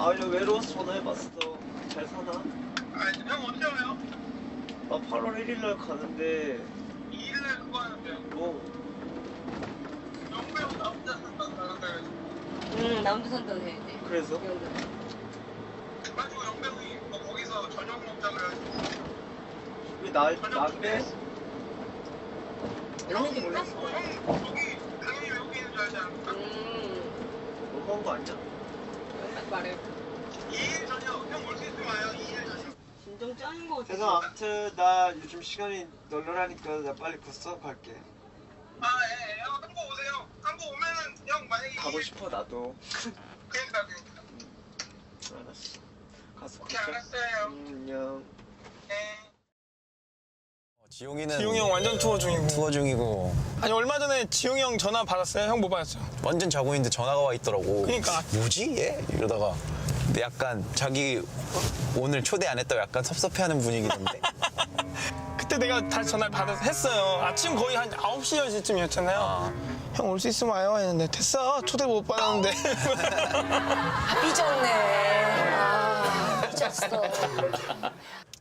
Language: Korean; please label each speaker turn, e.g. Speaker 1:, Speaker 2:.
Speaker 1: 아니 외로워서 전화해봤어. 잘 사나?
Speaker 2: 아니 형 언제 와요?
Speaker 1: 나 8월 1일날 가는데
Speaker 2: 2일날 그거 하는데요.
Speaker 1: 뭐
Speaker 2: 영배우 나 혼자 산다고 나간다 해가지고.
Speaker 3: 남도 산다고 해야지.
Speaker 1: 그래서?
Speaker 2: 그래가지고 영배우이 뭐 거기서 저녁 먹자 그래가지고.
Speaker 1: 왜 나한테?
Speaker 3: 이런지 몰랐어.
Speaker 2: 형 거기 당연히 외국에 있는 줄 알지 않을까?
Speaker 1: 너무한 거 아니야?
Speaker 3: 딱 말해.
Speaker 2: 2일 저녁 형 올 수 있으면 와요. 2일 저녁.
Speaker 3: 진정 짱인 거 같아.
Speaker 1: 그래서 아무튼 나 요즘 시간이 널널하니까 나 빨리 곧 수업 갈게.
Speaker 2: 아 예. 형 한국 오세요. 한국 오면은 형 만약에
Speaker 1: 가고
Speaker 2: 2일
Speaker 1: 싶어 나도.
Speaker 2: 그러니까.
Speaker 1: 알았어. 가서
Speaker 2: 오케이
Speaker 1: 보자.
Speaker 2: 알았어요.
Speaker 1: 안녕.
Speaker 2: 네.
Speaker 4: 지용이는
Speaker 5: 지용이 형 완전 투어 중이고.
Speaker 4: 투어 중이고
Speaker 5: 아니 얼마 전에 지용이 형 전화 받았어요? 형 못 받았죠?
Speaker 4: 완전 자고 있는데 전화가 와 있더라고.
Speaker 5: 그러니까.
Speaker 4: 뭐지 얘? 이러다가 근데 약간 자기 오늘 초대 안 했다고 약간 섭섭해하는 분위기던데.
Speaker 5: 그때 내가 다시 전화를 받아서 했어요. 아침 거의 한 9시, 10시쯤이었잖아요. 형 올 수 있으면 와요 했는데 됐어. 초대 못 받았는데.
Speaker 6: 삐졌네. 아, 삐졌어.